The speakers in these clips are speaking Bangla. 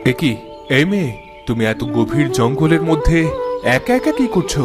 একি এই মেয়ে, তুমি এত গভীর জঙ্গলের মধ্যে একা একা কি করছো?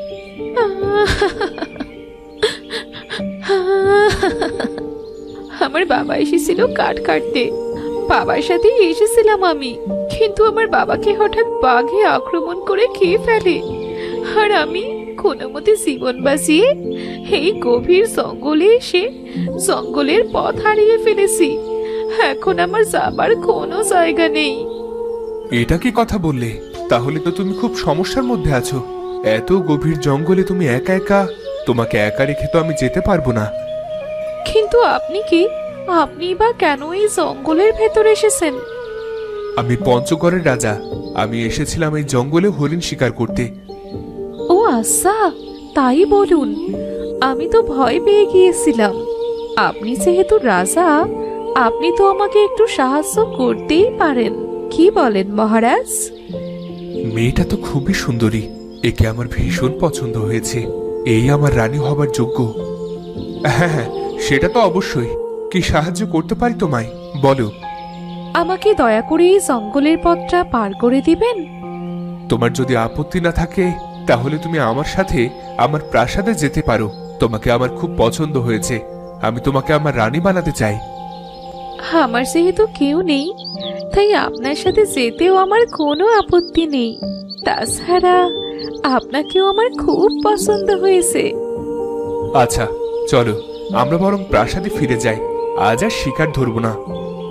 আমার বাবা এসেছিল কাঠ কাটতে। বাবার সাথেই এসেছিলাম আমি, কিন্তু আমার বাবাকে হঠাৎ বাঘে আক্রমণ করে খেয়ে ফেলে। আর আমি কোনো মতে জীবন বাঁচিয়ে এই গভীর জঙ্গলে এসে জঙ্গলের পথ হারিয়ে ফেলেছি। এখন আমার যাবার কোনো জায়গা নেই। এটা কি কথা বললে? তাহলে তো তুমি খুব সমস্যার মধ্যে আছো। এত গভীর জঙ্গলে তুমি একা একা, তোমাকে একা রেখে তো আমি যেতে পারবো না। কিন্তু আপনি কি, আপনি বা কেন এই জঙ্গলের ভেতরে এসেছেন? আমি পঞ্চগড়ের রাজা। আমি এসেছিলাম এই জঙ্গলে হরিণ শিকার করতে। ও আচ্ছা, তাই বলুন। আমি তো ভয় পেয়ে গিয়েছিলাম। আপনি যেহেতু রাজা, আপনি তো আমাকে একটু সাহায্য করতেই পারেন। কি বলেন মহারাজ? মেয়েটা তো খুবই সুন্দরী, একে আমার ভীষণ পছন্দ হয়েছে। এই আমার রানী হবার যোগ্য। হ্যাঁ হ্যাঁ, সেটা তো অবশ্যই। কি সাহায্য করতে পারি তোমায়, বলো। আমাকে দয়া করে এই জঙ্গলের পথটা পার করে দিবেন। তোমার যদি আপত্তি না থাকে তাহলে তুমি আমার সাথে আমার প্রাসাদে যেতে পারো। তোমাকে আমার খুব পছন্দ হয়েছে। আমি তোমাকে আমার রানী বানাতে চাই। আমার যেহেতু কেউ নেই, তাই আপনার সাথে যেতেও আমার কোনো আপত্তি নেই। তাছাড়া আপনাকেও আমার খুব পছন্দ হয়েছে। আচ্ছা, চলো আমরা বরং প্রাসাদে ফিরে যাই। আজ আর শিকার ধরবো না।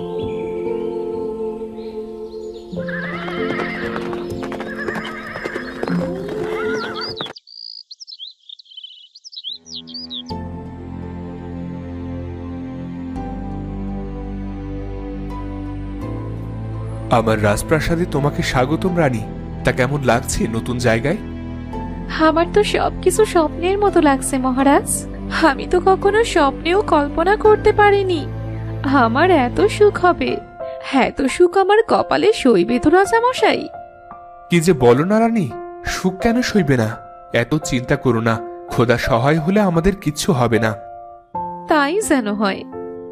আমার রাজপ্রাসাদে তোমাকে স্বাগতম রানী। তা কেমন লাগছে নতুন জায়গায়? আমার তো সবকিছু স্বপ্নের মতো লাগছে মহারাজ। আমি তো কখনো স্বপ্নেও কল্পনা করতে পারিনি আমার এত সুখ হবে। এত সুখ আমার কপালে সইবে তো রাজামশাই। কি যে বলো না রানী, সুখ কেন সইবে না? এত চিন্তা করো না। খোদা সহায় হলে আমাদের কিচ্ছু হবে না। তাই যেন হয়।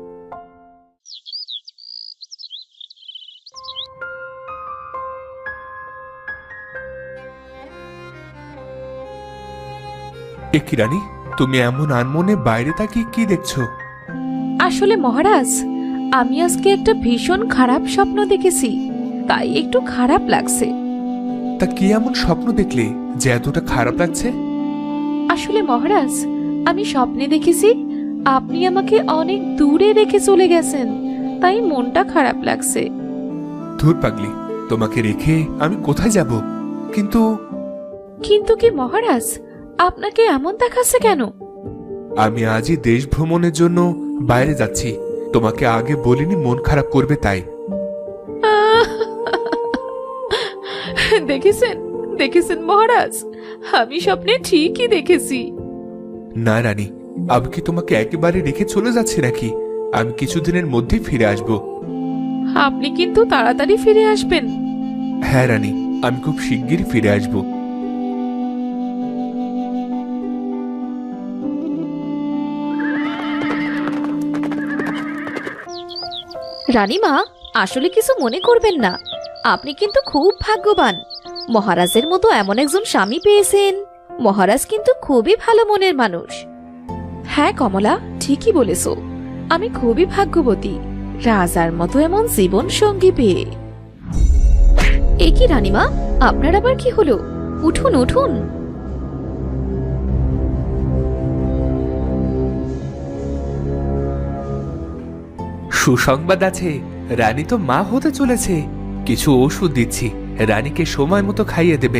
এ কি রানী, তুমি এমন আনমনে বাইরে তাকিয়ে কি দেখছো? আসলে মহারাজ, আমি আজকে একটা ভীষণ খারাপ স্বপ্ন দেখেছি, তাই একটু খারাপ লাগছে। তা কি এমন স্বপ্ন দেখলে যে এতটা খারাপ লাগছে? আসলে মহারাজ, আমি স্বপ্নে দেখেছি আপনি আমাকে অনেক দূরে রেখে চলে গেছেন, তাই মনটা খারাপ লাগছে। ধুর পাগলি, তোমাকে রেখে আমি কোথায় যাব? কিন্তু কিন্তু কি মহারাজ, আপনাকে এমন দেখাচ্ছে কেন? আমি আজই দেশ ভ্রমণের জন্য বাইরে যাচ্ছি। তোমাকে আগে বলিনি মন খারাপ করবে তাই। দেখেছেন, দেখেছেন মহারাজ, আমি স্বপ্নে ঠিকই দেখেছি। না রানী, আমি কি তোমাকে একেবারে রেখে চলে যাচ্ছি নাকি? আমি কিছুদিনের মধ্যেই ফিরে আসব। আপনি কিন্তু তাড়াতাড়ি ফিরে আসবেন। হ্যাঁ রানী, আমি খুব শিগগিরই ফিরে আসব। রানীমা, আসলে কিছু মনে করবেন না। আপনি কিন্তু খুব ভাগ্যবান। মহারাজের মতো এমন একজন স্বামী পেয়েছেন। মহারাজ কিন্তু খুবই ভালো মনের মানুষ। হ্যাঁ কমলা, ঠিকই বলেছো। আমি খুবই ভাগ্যবতী রাজার মতো এমন জীবন সঙ্গী পেয়ে। এ কি রানীমা, আপনার আবার কি হলো? উঠুন উঠুন। সুসংবাদ আছে, রানী তো মা হতে চলেছে। কিছু ওষুধ দিচ্ছি, রানীকে সময় মতো খাইয়ে দেবেন।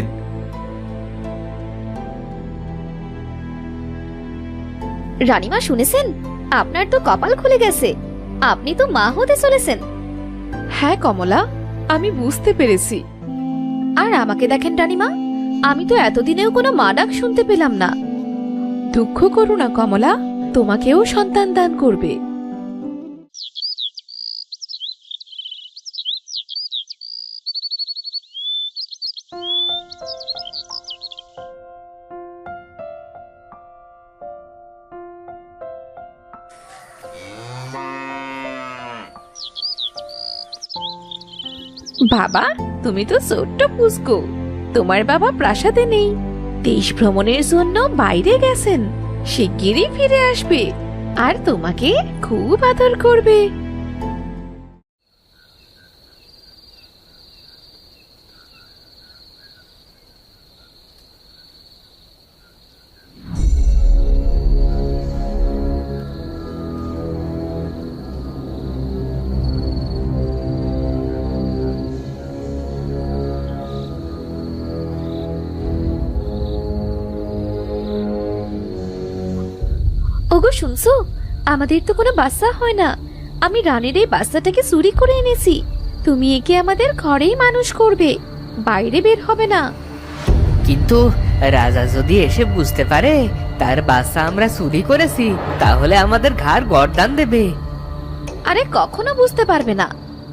রানীমা শুনেছেন, আপনার তো কপাল খুলে গেছে। আপনি তো মা হতে চলেছেন। হ্যাঁ কমলা, আমি বুঝতে পেরেছি। আর আমাকে দেখেন রানীমা, আমি তো এতদিনেও কোনো মা ডাক শুনতে পেলাম না। দুঃখ করো না কমলা, তোমাকেও সন্তান দান করবে। বাবা, তুমি তো ছোট্ট পুস্কু। তোমার বাবা প্রাসাদে নেই, দেশ ভ্রমণের জন্য বাইরে গেছেন। শিগগিরই ফিরে আসবে আর তোমাকে খুব আদর করবে। ওগো শুনছো, আমাদের তো কোনো বাচ্চা হয় না। আমি রানীর এই বাচ্চাটাকে চুরি করে এনেছি। তুমি একে আমাদের ঘরেই মানুষ করবে, বাইরে বের হবে না। কিন্তু রাজা যদি এসে বুঝতে পারে তার বাচ্চা আমরা চুরি করেছি, তাহলে আমাদের ঘাড় গর্দান দেবে। আরে কখনো বুঝতে পারবে না।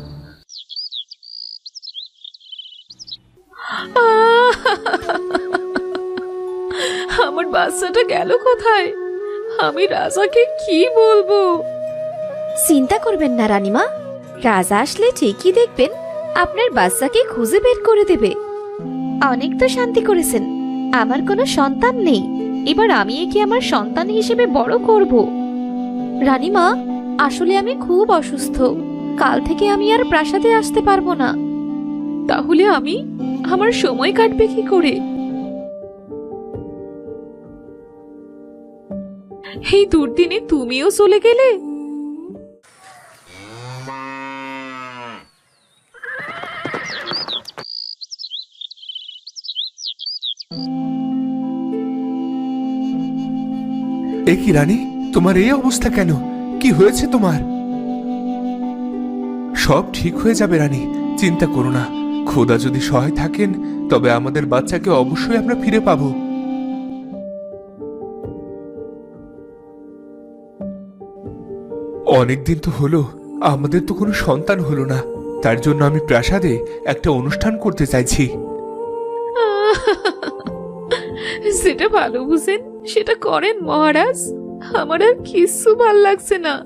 আমার বাচ্চাটা গেল কোথায়? আমি রাজাকে কি বলবো? চিন্তা করবেন না রানীমা, রাজা আসলে ঠিকই দেখবেন আপনার বাচ্চাকে খুঁজে বের করে দেবে। অনেক তো শান্তি করেছেন, আমার কোনো সন্তান নেই, এবার আমি একে আমার সন্তান হিসেবে বড় করব। রানীমা, আসলে আমি খুব অসুস্থ, কাল থেকে আমি আর প্রাসাদে আসতে পারবো না। তাহলে আমার সময় কাটবে কি করে? এই দুর্দিনে তুমিও চলে গেলে। এ কি রানী, তোমার এই অবস্থা কেন? কি হয়েছে তোমার? সব ঠিক হয়ে যাবে রানী, চিন্তা করো না। খোদা যদি সহায় থাকেন তবে আমাদের বাচ্চাকে অবশ্যই আমরা ফিরে পাবো। অনেকদিন তো হলো, আমাদের তো কোনো সন্তান হলো না। তার জন্য আমি প্রাসাদে একটা অনুষ্ঠান করতে চাইছি। সেটা ভালো বুঝেন সেটা করেন মহারাজ। আমার আর কিছু ভাল লাগছে না।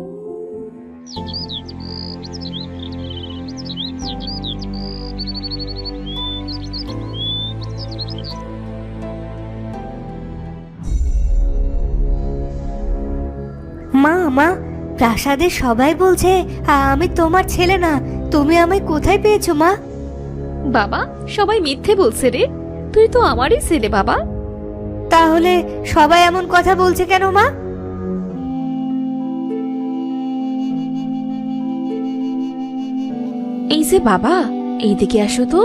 মা, প্রাসাদের সবাই বলছে আমি তোমার ছেলে না। তুমি আমায় কোথায় পেয়েছো মা? বাবা, সবাই মিথ্যে বলছে রে, তুই তো আমারই ছেলে বাবা। তাহলে সবাই এমন কথা বলছে কেন মা? এই যে বাবা, এইদিকে আসো তো।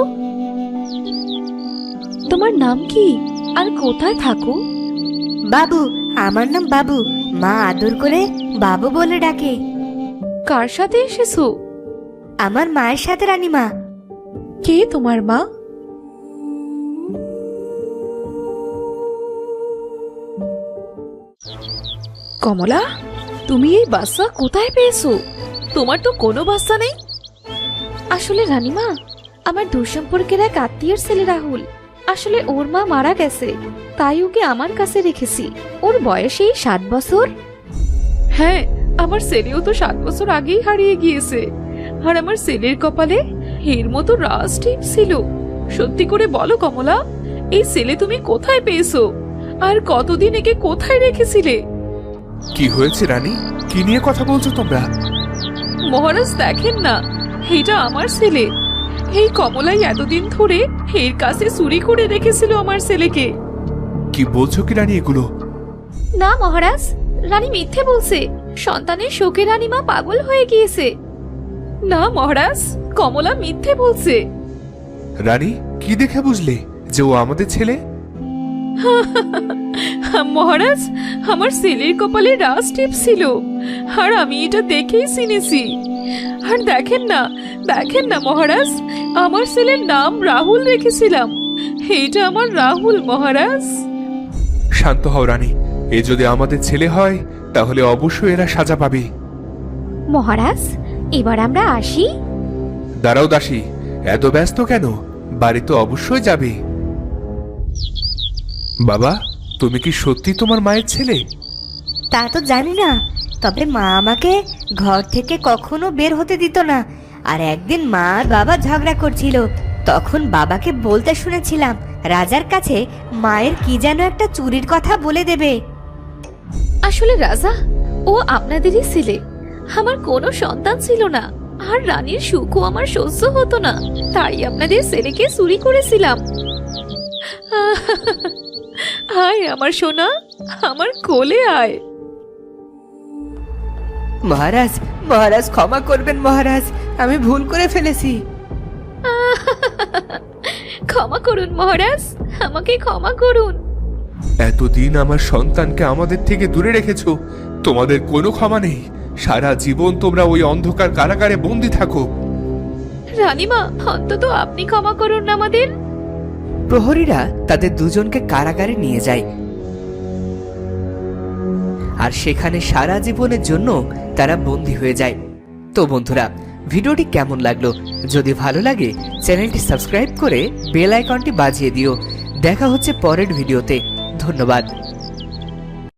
তোমার নাম কি আর কোথায় থাকো? বাবু, আমার নাম বাবু। মা আদর করে বাবু বলে ডাকে। কার সাথে এসেছো? আমার মায়ের সাথে রানীমা। কে তোমার মা? কমলা, তুমি এই বাচ্চা কোথায় পেয়েছো? তোমার তো কোনো বাচ্চা নেই। আসলে রানীমা, আমার দূরসম্পর্কের এক আত্মীয়ের ছেলে রাহুল। আসলে ওর মা মারা গেছে, তাই ওকে আমার কাছে রেখেছি। ওর বয়স এই 7 বছর। হ্যাঁ, আমার ছেলেও তো 7 বছর আগেই হারিয়ে গিয়েছে। আর আমার ছেলের কপালে এর মতো রাজ টিপ ছিল। সত্যি করে বলো কমলা, এই ছেলে তুমি কোথায় পেয়েছো? আর কতদিন একে কোথায় রেখেছিলে? কি হয়েছে রানী, কি নিয়ে কথা বলছো তোমরা? মহারাজ দেখেন না, এটা আমার ছেলে। এই কমলাই এতদিন ধরে এর কাছে চুরি করে রেখেছিল আমার ছেলেকে। কি বলছো কি রানী এগুলো? না মহারাজ, রানী মিথ্যে বলছে। সন্তানের শোকে রানীমা পাগল হয়ে গিয়েছে। না মহারাজ, কমলা মিথ্যে বলছে। রানী, কি দেখে বুঝলে যে ও আমাদের ছেলে? মহারাজ, আমার ছেলের কপালে রাজ টিপ ছিল, আর আমি এটা দেখেই চিনেছি। আর দেখেন না মহারাজ, আমার ছেলের নাম রাহুল রেখেছিলাম। এইটা আমার রাহুল মহারাজ। শান্ত হও রানী, এ যদি আমাদের ছেলে হয় তাহলে অবশ্যই এরা সাজা পাবে। মহারাজ, এবার আমরা আসি। দাঁড়াও দাসী, এত ব্যস্ত কেন? বাড়ি তো অবশ্যই যাবে। বাবা, তুমি কি সত্যি তোমার মায়ের ছেলে? তা তো জানি না, তবে মা আমাকে ঘর থেকে কখনো বের হতে দিত না। আর একদিন মা আর বাবা ঝগড়া করছিল। তখন বাবাকে বলতে শুনেছিলাম রাজার কাছে মায়ের কি যেন একটা চুরির কথা বলে দেবে। আসলে রাজা, ও আপনাদেরই ছেলে। আমার কোনো সন্তান ছিল না, আর রানীর সুখও আমার সহ্য হতো না, তাই আপনাদের ছেলেকে চুরি করেছিলাম। আয় আমার সোনা, আমার কোলে আয়। মহারাজ, মহারাজ ক্ষমা করবেন মহারাজ, আমি ভুল করে ফেলেছি। ক্ষমা করুন মহারাজ, আমাকে ক্ষমা করুন। এতদিন আমার সন্তানকে আমাদের থেকে দূরে রেখেছো, তোমাদের কোনো ক্ষমা নেই। সারা জীবন তোমরা ওই অন্ধকার কারাগারে বন্দি থাকো। রানীমা, অন্তত আপনি ক্ষমা করুন আমাদের। প্রহরীরা তাদের দুজনকে কারাগারে নিয়ে যায়, আর সেখানে সারা জীবনের জন্য তারা বন্দী হয়ে যায়। তো বন্ধুরা, ভিডিওটি কেমন লাগলো? যদি ভালো লাগে চ্যানেলটি সাবস্ক্রাইব করে বেল আইকনটি বাজিয়ে দিও। দেখা হচ্ছে পরের ভিডিওতে। ধন্যবাদ।